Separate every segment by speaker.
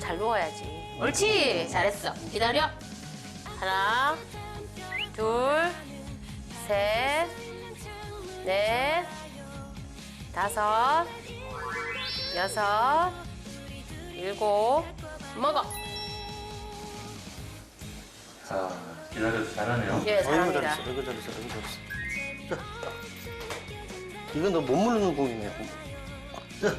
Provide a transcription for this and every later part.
Speaker 1: 잘 누워야지. 옳지. 잘했어. 기다려. 하나, 둘, 셋, 넷, 다섯, 여섯, 일곱. 먹어.
Speaker 2: 자, 기다려서 잘하네요.
Speaker 1: 예, 잘합니다.
Speaker 3: 아이고 잘했어. 자, 이건 너 못 물는 공이네. 자.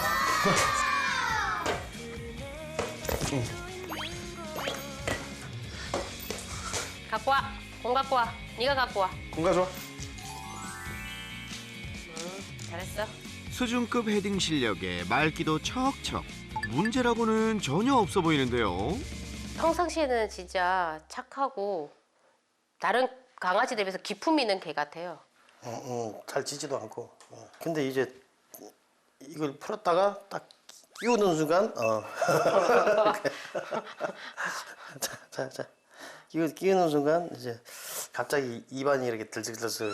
Speaker 1: 갖고 와. 공 갖고 와. 네가 갖고 와.
Speaker 3: 공 가져와.
Speaker 1: 잘했어.
Speaker 4: 수준급 헤딩 실력에 말기도 척척. 문제라고는 전혀 없어 보이는데요.
Speaker 1: 평상시에는 진짜 착하고 다른 강아지들에 비해서 기품 있는 개 같아요.
Speaker 3: 잘 짖지도 않고. 근데 이제 이걸 풀었다가 딱 끼우는 순간, 자. 끼우는 순간 이제 갑자기 입안이 이렇게 들썩들썩,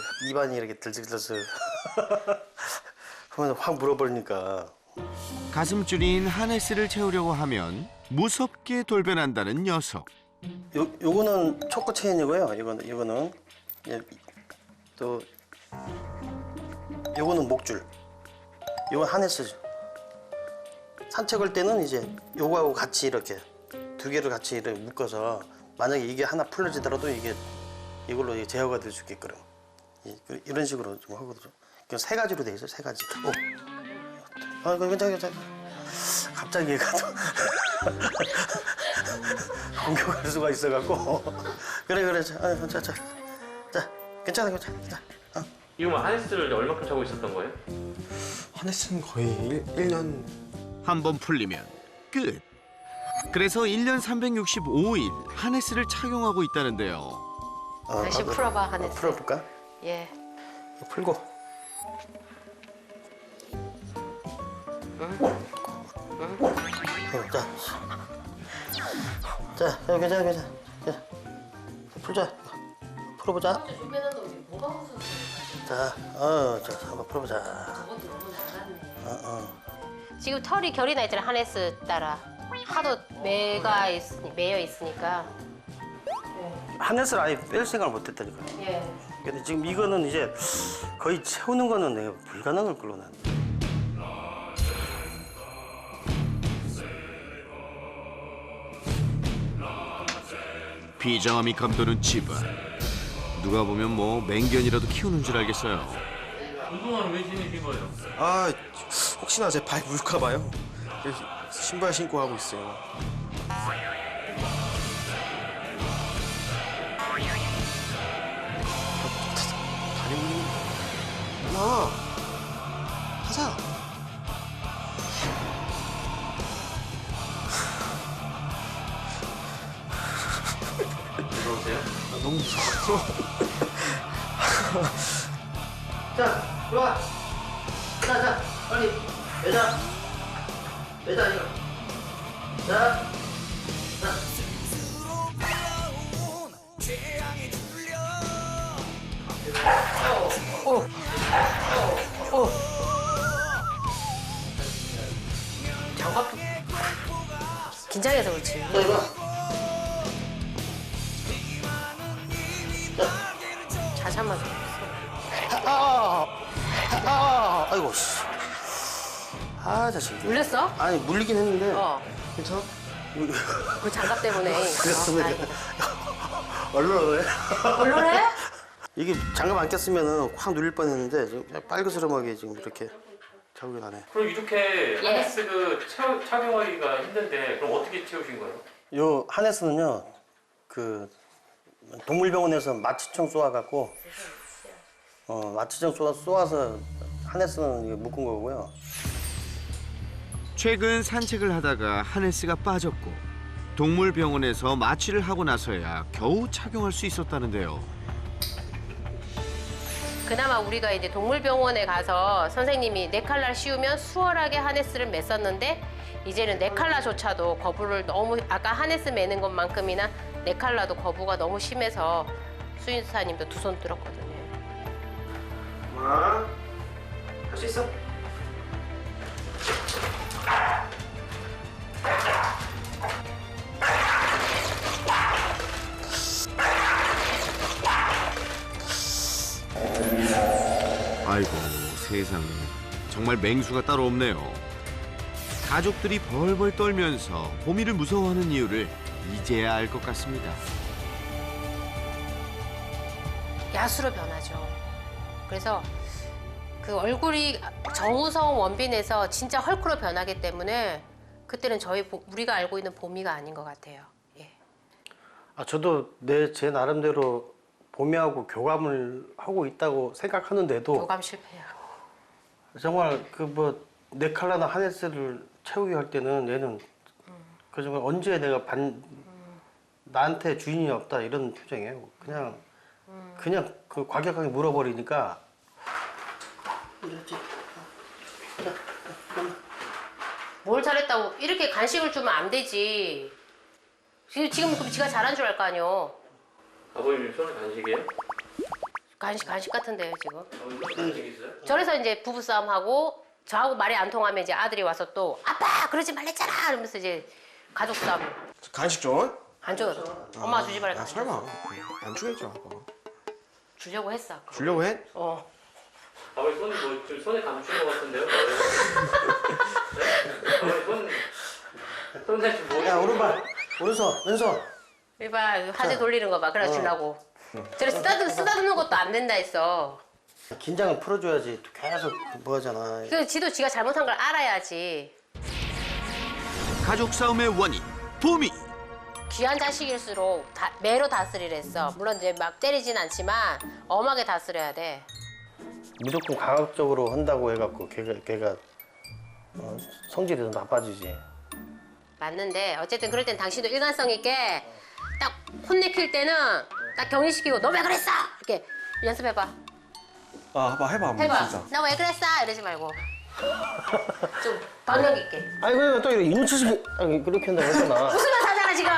Speaker 3: 그러면 확 물어버리니까.
Speaker 4: 가슴줄인 하네스를 채우려고 하면 무섭게 돌변한다는 녀석.
Speaker 3: 요거는 초코 체인이고요. 이거는 예, 또 요거는 목줄. 요건 하네스죠. 산책할 때는 이제 요거하고 같이 이렇게 두 개를 같이 이렇게 묶어서 만약에 이게 하나 풀려지더라도 이걸로 제어가 될 수 있게끔 이런 식으로 좀 하거든요. 그냥 세 가지로 돼 있어요. 세 가지. 괜찮아. 갑자기 얘가 또 공격할 수가 있어갖고. 그래. 자, 괜찮아.
Speaker 2: 이거 뭐 하네스를 얼마큼 차고 있었던 거예요?
Speaker 5: 하네스는 거의 1년.
Speaker 4: 한 번 풀리면 끝. 그래서 1년 365일 하네스를 착용하고 있다는데요.
Speaker 1: 다시 풀어봐, 하네스.
Speaker 3: 풀어볼까?
Speaker 1: 예.
Speaker 3: 풀고. 자, 괜찮아. 풀어보자. 자, 한번 풀어보자.
Speaker 1: 지금 털이 결이 나 있잖아, 하네스 따라. 하도 매여 있으니까.
Speaker 3: 하네스를 아예 뺄 생각을 못했다니까.
Speaker 1: 예.
Speaker 3: 근데 지금 이거는 이제 거의 채우는 거는 내가 불가능할 걸로 난.
Speaker 4: 비장함이 감도는 집안. 누가 보면 뭐 맹견이라도 키우는 줄 알겠어요.
Speaker 2: 운동화는 왜 신으신 거예요?
Speaker 5: 아, 혹시나 제 발 물까 봐요. 그래서 신발 신고 하고 있어요. 다리 물리는 거. 하자.
Speaker 2: 무서우세요?
Speaker 5: 너무 무서워.
Speaker 3: 자, 들어와. 자, 빨리. 매자 이거. 자.
Speaker 1: 장갑 긴장해서 그렇지.
Speaker 3: 자, 이거.
Speaker 1: 자세만.
Speaker 3: 아이고, 씨. 자식.
Speaker 1: 물렸어?
Speaker 3: 아니, 물리긴 했는데.
Speaker 5: 괜찮아?
Speaker 1: 그 장갑 때문에.
Speaker 3: 그래서
Speaker 1: 아이고.
Speaker 3: 얼른 해.
Speaker 1: 얼른 해?
Speaker 3: 이게 장갑 안 꼈으면 확 눌릴 뻔했는데 지금 빨그스름하게 지금 이렇게 자국이 나네.
Speaker 2: 그럼 이렇게
Speaker 1: 예.
Speaker 2: 하네스 착용하기가 힘든데 그럼 어떻게 채우신 거예요?
Speaker 3: 요 하네스는요, 그 동물병원에서 마취총 쏘아갖고 마취총 쏘아서 하네스는 이거 묶은 거고요.
Speaker 4: 최근 산책을 하다가 하네스가 빠졌고 동물병원에서 마취를 하고 나서야 겨우 착용할 수 있었다는데요.
Speaker 1: 그나마 우리가 이제 동물병원에 가서 선생님이 네 칼날 씌우면 수월하게 하네스를 맸었는데 이제는 네 칼라조차도 거부를 너무 아까 하네스 매는 것만큼이나 네 칼라도 거부가 너무 심해서 수의사님도 두 손 들었거든요.
Speaker 3: 할 수 있어.
Speaker 4: 아이고 세상에 정말 맹수가 따로 없네요. 가족들이 벌벌 떨면서 보미를 무서워하는 이유를 이제야 알 것 같습니다.
Speaker 1: 야수로 변하죠. 그래서 그 얼굴이 정우성 원빈에서 진짜 헐크로 변하기 때문에 그때는 우리가 알고 있는 보미가 아닌 것 같아요. 예.
Speaker 3: 저도 제 나름대로 보미하고 교감을 하고 있다고 생각하는데도
Speaker 1: 교감 실패야.
Speaker 3: 정말 네 칼라나 하네스를 채우기 할 때는 얘는 그 정말 언제 내가 나한테 주인이 없다 이런 표정이에요. 그냥 그 과격하게 물어버리니까
Speaker 1: 뭘 잘했다고 이렇게 간식을 주면 안 되지. 지금 그럼 지가 잘한 줄 알 거 아니요.
Speaker 2: 아버님 손에 간식이에요?
Speaker 1: 간식 같은데요 지금.
Speaker 2: 아버님 손에 간식 있어요?
Speaker 1: 저래서 이제 부부싸움 하고 저하고 말이 안 통하면 이제 아들이 와서 또 아빠 그러지 말랬잖아 이러면서 이제 가족 싸움.
Speaker 5: 간식 좀?
Speaker 1: 안 줘. 엄마 주지 말라.
Speaker 5: 설마 안 주겠죠 아빠.
Speaker 1: 주려고 했어. 아까.
Speaker 5: 주려고 해?
Speaker 2: 아버님 손이 지금 손에 감춘 것 같은데요? 네? 아버님 손에 지금
Speaker 3: 야 오른발 오른손 왼손
Speaker 1: 이봐 화제 돌리는 거 봐. 그래 주려고. 저래 쓰다듬는 것도 안 된다 했어.
Speaker 3: 긴장을 풀어줘야지 또 계속 뭐 하잖아.
Speaker 1: 그 지도 지가 잘못한 걸 알아야지.
Speaker 4: 가족 싸움의 원인 보미.
Speaker 1: 귀한 자식일수록 매로 다스리랬어. 물론 이제 막 때리진 않지만 엄하게 다스려야 돼.
Speaker 3: 무조건 강압적으로 한다고 해갖고 걔가 성질이 더 나빠지지.
Speaker 1: 맞는데 어쨌든 그럴 땐 당신도 일관성 있게 딱 혼내킬 때는 딱 격리시키고 너 왜 그랬어? 이렇게 연습해봐.
Speaker 5: 아빠 해봐 한번
Speaker 1: 해봐.
Speaker 5: 진짜.
Speaker 1: 나 왜 그랬어? 이러지 말고 좀 방력 있게.
Speaker 3: 아니 그러니까 또 이렇게 이노치식 그렇게 한다고 했잖아.
Speaker 1: 웃으면서 하잖아 지금.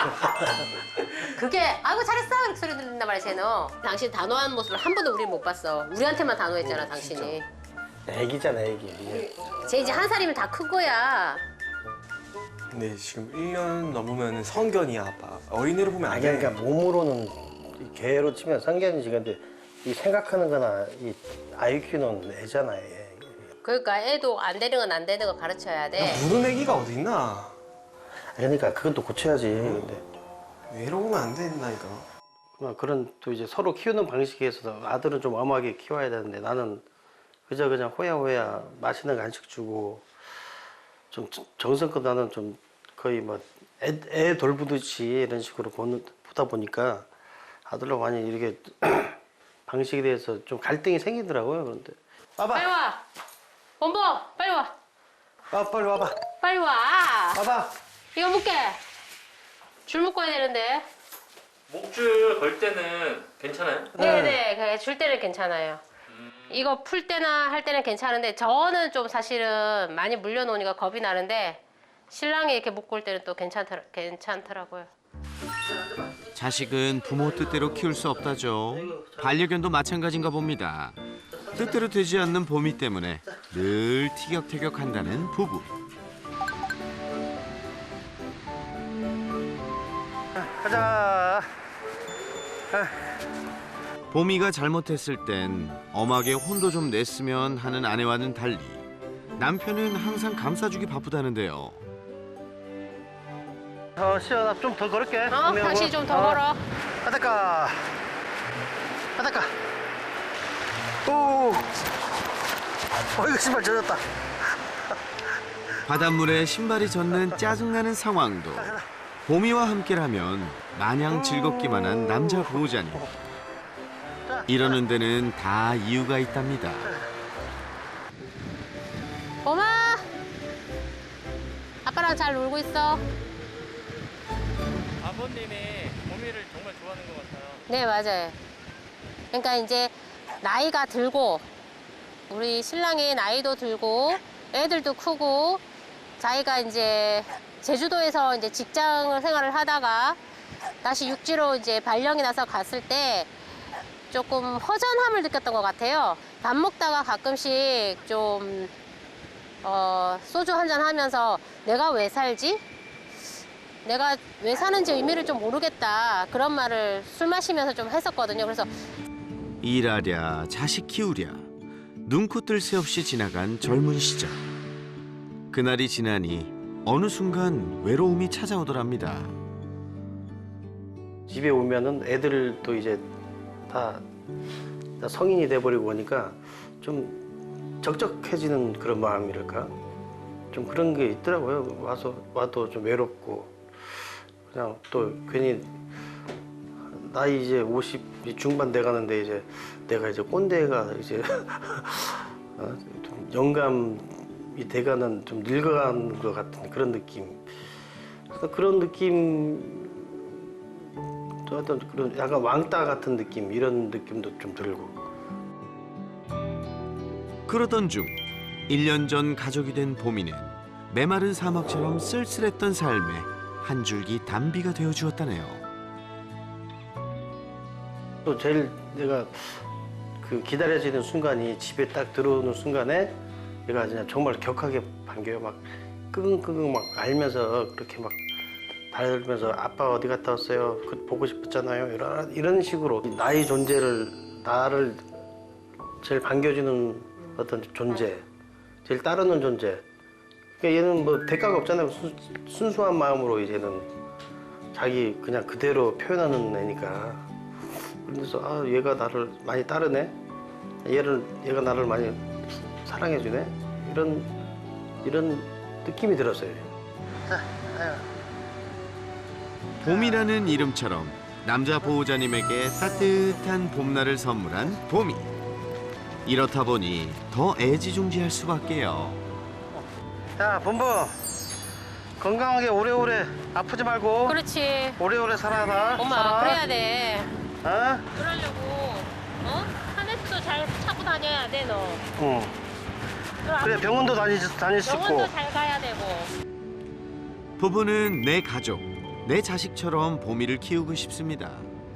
Speaker 1: 그게 아이고 잘했어 이렇게 소리 들린단 말이야 쟤는. 당신 단호한 모습을 한 번도 우리 못 봤어. 우리한테만 단호했잖아 당신이.
Speaker 3: 애기잖아 애기.
Speaker 1: 쟤 이제 한 살이면 다 큰 거야.
Speaker 5: 근데 지금 1년 넘으면 성견이야 아빠. 어린애로 보면 안
Speaker 3: 아니
Speaker 5: 돼.
Speaker 3: 그러니까 몸으로는 이 개로 치면 상견이지. 근데 이 생각하는 거나 이 IQ는 애잖아 애.
Speaker 1: 그러니까 애도 안 되는 건 안 되는 거 가르쳐야 돼.
Speaker 5: 무는 애기가 어디 있나?
Speaker 3: 그러니까 그것도 고쳐야지. 근데
Speaker 5: 왜 이러면 안 된다니까.
Speaker 3: 그런 또 이제 서로 키우는 방식에 있어서 아들은 좀 엄하게 키워야 되는데 나는 그냥 호야호야 맛있는 간식 주고 좀 정성껏 나는 좀 거의 애 돌보듯이 이런 식으로 보다 보니까 아들하고 많이 이렇게 방식에 대해서 좀 갈등이 생기더라고요. 그런데
Speaker 1: 빨리
Speaker 3: 와봐.
Speaker 1: 와. 원보 빨리 와.
Speaker 3: 빨리 와봐.
Speaker 1: 빨리 와.
Speaker 3: 와봐.
Speaker 1: 이거 묶게. 줄 묶어야 되는데.
Speaker 2: 목줄 걸 때는 괜찮아요?
Speaker 1: 네네. 줄 때는 괜찮아요. 이거 풀 때나 할 때는 괜찮은데 저는 좀 사실은 많이 물려놓으니까 겁이 나는데 신랑이 이렇게 묶을 때는 또 괜찮더라고요.
Speaker 4: 자식은 부모 뜻대로 키울 수 없다죠. 반려견도 마찬가지인가 봅니다. 뜻대로 되지 않는 보미 때문에 늘 티격태격한다는 부부.
Speaker 3: 가자.
Speaker 4: 보미가 잘못했을 땐 엄하게 혼도 좀 냈으면 하는 아내와는 달리 남편은 항상 감싸주기 바쁘다는데요.
Speaker 3: 시연아 좀 더 걸을게.
Speaker 1: 당신 좀 더 걸어.
Speaker 3: 바닷가. 오. 이거 신발 젖었다.
Speaker 4: 바닷물에 신발이 젖는 짜증나는 상황도 보미와 함께라면 마냥 즐겁기만 한 남자 보호자님. 이러는 데는 다 이유가 있답니다.
Speaker 1: 엄마. 아빠랑 잘 놀고 있어.
Speaker 2: 아버님이 보미를 정말 좋아하는 것 같아요.
Speaker 1: 네 맞아요. 그러니까 이제 나이가 들고 우리 신랑이 나이도 들고 애들도 크고 자기가 이제 제주도에서 이제 직장 생활을 하다가 다시 육지로 이제 발령이 나서 갔을 때 조금 허전함을 느꼈던 것 같아요. 밥 먹다가 가끔씩 좀 소주 한잔 하면서 내가 왜 살지? 내가 왜 사는지 의미를 좀 모르겠다. 그런 말을 술 마시면서 좀 했었거든요. 그래서
Speaker 4: 일하랴 자식 키우랴 눈코 뜰 새 없이 지나간 젊은 시절. 그날이 지나니 어느 순간 외로움이 찾아오더랍니다.
Speaker 3: 집에 오면은 애들도 이제 다 성인이 돼버리고 오니까 좀 적적해지는 그런 마음이랄까? 좀 그런 게 있더라고요. 와도 좀 외롭고 그냥 또 괜히 나이 이제 50 중반 돼 가는데 이제 내가 이제 꼰대가 이제 좀 영감이 돼가는 좀 늙어가는 것 같은 그런 느낌. 그래서 그런 느낌, 또 어떤 그런 약간 왕따 같은 느낌 이런 느낌도 좀 들고.
Speaker 4: 그러던 중 1년 전 가족이 된 보미는 메마른 사막처럼 쓸쓸했던 삶에 한 줄기 단비가 되어 주었다네요.
Speaker 3: 또 제일 내가 그 기다려지는 순간이 집에 딱 들어오는 순간에 얘가 그냥 정말 격하게 반겨요. 막 끙끙끙 막 알면서 그렇게 막 달면서 아빠 어디 갔다 왔어요? 그 보고 싶었잖아요. 이런 식으로 나의 존재를 나를 제일 반겨주는 어떤 존재, 제일 따르는 존재. 그러니까 얘는 뭐 대가가 없잖아요. 순수한 마음으로 이제는 자기 그냥 그대로 표현하는 애니까. 그래서 아 얘가 나를 많이 따르네. 얘가 나를 많이 사랑해주네. 이런 느낌이 들었어요.
Speaker 4: 봄이라는 이름처럼 남자 보호자님에게 따뜻한 봄날을 선물한 봄이. 이렇다 보니 더 애지중지할 수밖에요.
Speaker 3: 자, 본부 건강하게 오래오래 아프지 말고
Speaker 1: 그렇지.
Speaker 3: 오래오래 살아라.
Speaker 1: 엄마
Speaker 3: 살아.
Speaker 1: 그래야 돼.
Speaker 3: 어?
Speaker 1: 그러려고 하네스도 잘 차고 다녀야 돼 너.
Speaker 3: 응. 그래 병원도 다닐 수 있고.
Speaker 1: 병원도 잘 가야 되고.
Speaker 4: 부부는 내 가족, 내 자식처럼 봄이를 키우고 싶습니다.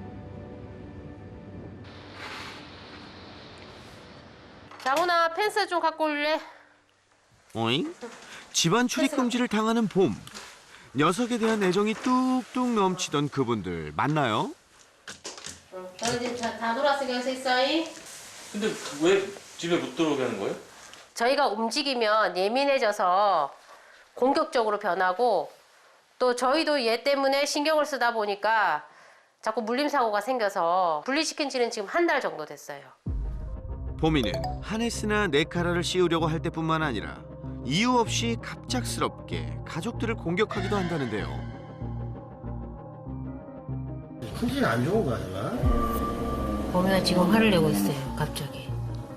Speaker 1: 장훈아 펜스 좀 갖고 올래?
Speaker 4: 어잉? 집안 출입 금지를 당하는 봄. 녀석에 대한 애정이 뚝뚝 넘치던 그분들 맞나요?
Speaker 1: 너희 지금 다 놀았으니까 여기서 있어잉?
Speaker 2: 근데 왜 집에 못 들어오게 하는 거예요?
Speaker 1: 저희가 움직이면 예민해져서 공격적으로 변하고 또 저희도 얘 때문에 신경을 쓰다 보니까 자꾸 물림사고가 생겨서 분리시킨 지는 지금 한 달 정도 됐어요.
Speaker 4: 봄이는 하네스나 네카라를 씌우려고 할 때뿐만 아니라 이유 없이 갑작스럽게 가족들을 공격하기도 한다는데요.
Speaker 3: 컨디션 안 좋은 거야, 내가?
Speaker 1: 봄이가 지금 화를 내고 있어요, 갑자기.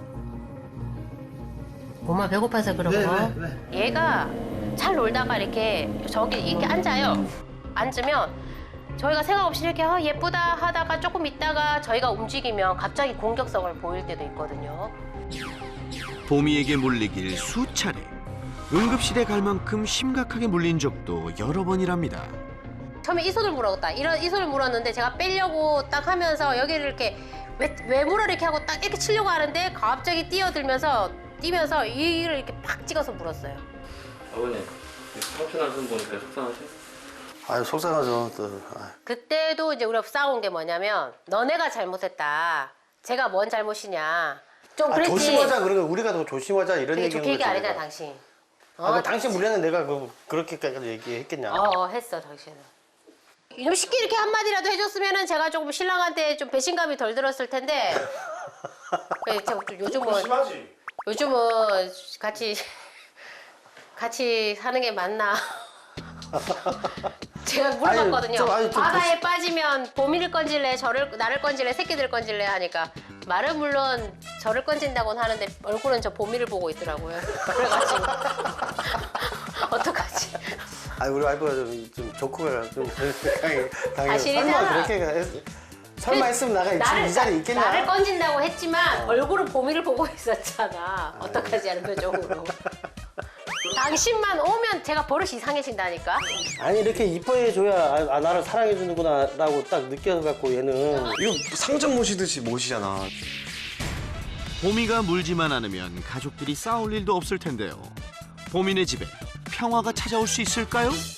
Speaker 1: 엄마 배고파서 그런 거?
Speaker 3: 왜?
Speaker 1: 얘가 잘 놀다가 이렇게 저기 이렇게 앉아요. 앉으면 저희가 생각 없이 이렇게 예쁘다 하다가 조금 있다가 저희가 움직이면 갑자기 공격성을 보일 때도 있거든요.
Speaker 4: 봄이에게 물리길 수차례. 응급실에 갈 만큼 심각하게 물린 적도 여러 번이랍니다.
Speaker 1: 처음에 이 손을 물었다. 이 손을 물었는데 제가 빼려고 딱 하면서 여기를 이렇게 왜 물어 이렇게 하고 딱 이렇게 치려고 하는데 갑자기 뛰면서 이를 이렇게 팍 찍어서 물었어요.
Speaker 2: 아버님 삼촌 안손 보니까 속상하세요?
Speaker 3: 아유 속상하죠. 또.
Speaker 1: 그때도 이제 우리가 싸운 게 뭐냐면 너네가 잘못했다. 제가 뭔 잘못이냐. 좀 그랬지.
Speaker 3: 조심하자 그러면 우리가 더 조심하자 이런
Speaker 1: 되게
Speaker 3: 얘기는
Speaker 1: 좋게 얘기 안
Speaker 3: 거지,
Speaker 1: 했잖아
Speaker 3: 내가.
Speaker 1: 당신.
Speaker 3: 그럼 당신 물려는 내가 그렇게까지 얘기했겠냐?
Speaker 1: 했어 당신은. 좀 쉽게 이렇게 한마디라도 해줬으면은 제가 조금 신랑한테 좀 배신감이 덜 들었을 텐데. 그래, 요즘은
Speaker 5: 심하지.
Speaker 1: 요즘은 같이 사는 게 맞나? 제가 물어봤거든요. 바다에 빠지면 봄이를 건질래, 나를 건질래, 새끼들 건질래 하니까 말은 물론 저를 건진다고는 하는데 얼굴은 저 봄이를 보고 있더라고요. 그래가지고 어떡하지?
Speaker 3: 우리 와이프가 좀 조커가 좀 당연히
Speaker 1: 사실이잖아.
Speaker 3: 설마 했으면 나가 이 자리에 있겠냐?
Speaker 1: 나를 건진다고 했지만 얼굴은 봄이를 보고 있었잖아. 어떡하지 하는 표정으로. 당신만 오면 제가 버릇이 이상해진다니까.
Speaker 3: 아니 이렇게 이뻐해줘야 나를 사랑해주는구나 라고 딱 느껴갖고 얘는
Speaker 5: 이거 상점 모시듯이 모시잖아.
Speaker 4: 봄이가 물지만 않으면 가족들이 싸울 일도 없을 텐데요. 봄이네 집에 평화가 찾아올 수 있을까요?